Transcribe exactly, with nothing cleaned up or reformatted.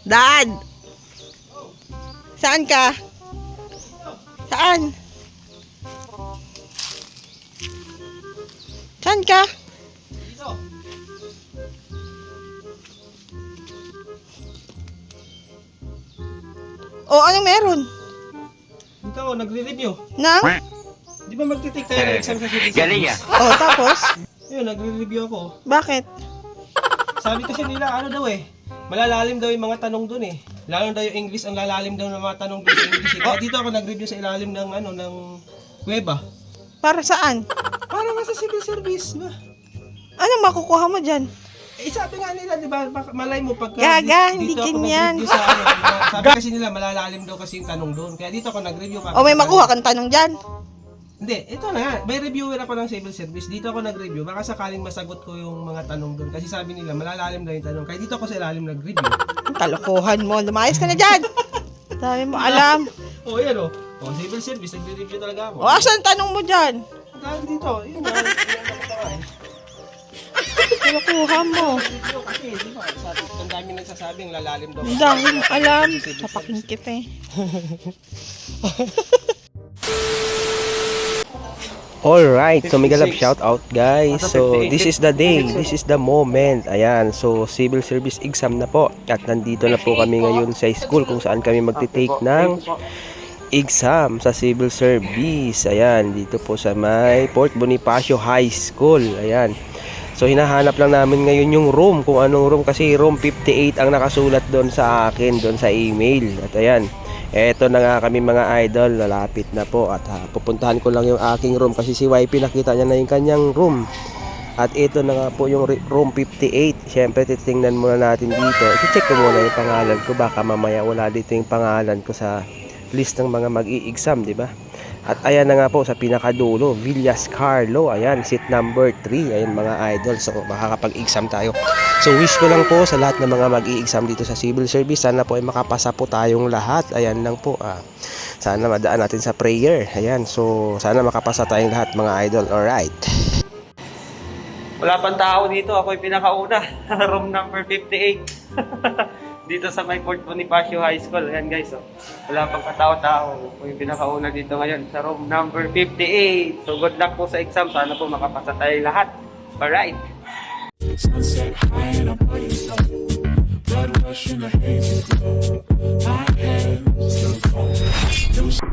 Dad! Saan ka? Saan? Saan ka? Dito. O, anong meron? Dito ako, nagre-review. Nang? Di ba magte-take tayo ng exam sa civil service? Galing ah. O, tapos? Yun, nagre-review ako. Bakit? Sabi kasi nila, ano daw eh, malalalim daw yung mga tanong dun eh. Lalo daw yung English, ang lalalim daw ng mga tanong dun sa English eh. Kaya dito ako nag-review sa ilalim ng ano, ng kuweba. Para saan? Para nga sa civil service, ba? Anong makukuha mo dyan? Eh, sabi nga nila, di ba, baka- malay mo pagka Gaga, di- hindi dito ako ganyan. nag-review sa ano, di ba? Sabi kasi nila, malalalim daw kasi yung tanong doon. Kaya dito ako nag-review. O, may makuha kang tanong dyan. Hindi, ito na nga. May reviewer ako ng civil service. Dito ako nag-review. Baka sakaling masagot ko yung mga tanong doon. Kasi sabi nila, malalalim daw yung tanong. Kaya dito ako sa ilalim nag-review. Ang kalokohan mo. Lumayas ka na dyan. Sabi mo, alam. Oh, yan o. Oh. Oh, civil service, nag-review talaga ako. O, asan tanong mo dyan? Dahil dito, yun nga. Yan ako talaga eh. Kalokohan mo. Review kasi, di ba? Sabi, ang dami nagsasabing lalalim daw. Ang dami mo alam. Kapaking kita eh. Alright, so mega love shout out guys. So this is the day, this is the moment. Ayan, so civil service exam na po. At nandito na po kami ngayon sa school kung saan kami magte-take ng exam sa civil service. Ayan, dito po sa may Port Bonifacio High School. Ayan. So hinahanap lang namin ngayon yung room, kung anong room, kasi room fifty-eight ang nakasulat doon sa akin, doon sa email. At ayan, eto na nga kami mga idol, lalapit na po. At ha, pupuntahan ko lang yung aking room kasi si Y P nakita niya na yung kanyang room. At ito na nga po yung room fifty-eight. Siyempre titingnan muna natin dito. I-check ko muna yung pangalan ko, baka mamaya wala dito yung pangalan ko sa list ng mga mag-i-exam, di ba? At ayan na nga po sa pinakadulo, Villas Carlo. Ayan, seat number three. Ayan mga idol, so makakapag-exam tayo. So wish ko lang po sa lahat ng mga mag-i-exam dito sa civil service, sana po ay makapasa po tayong lahat. Ayan lang po, ah. Sana madaan natin sa prayer. Ayan, so sana makapasa tayong lahat mga idol. Alright. Wala pang tao dito, ako yung pinakauna. Room number fifty-eight. Dito sa may Port Bonifacio High School. Ayan guys, oh. Wala pang katao-tao. Ako yung pinakauna dito ngayon sa room number fifty-eight. So good luck po sa exam. Sana po makapasa tayo lahat. Alright. Sunset high and I'm playing slow. Blood rush in a hazy glow. My hands still cold.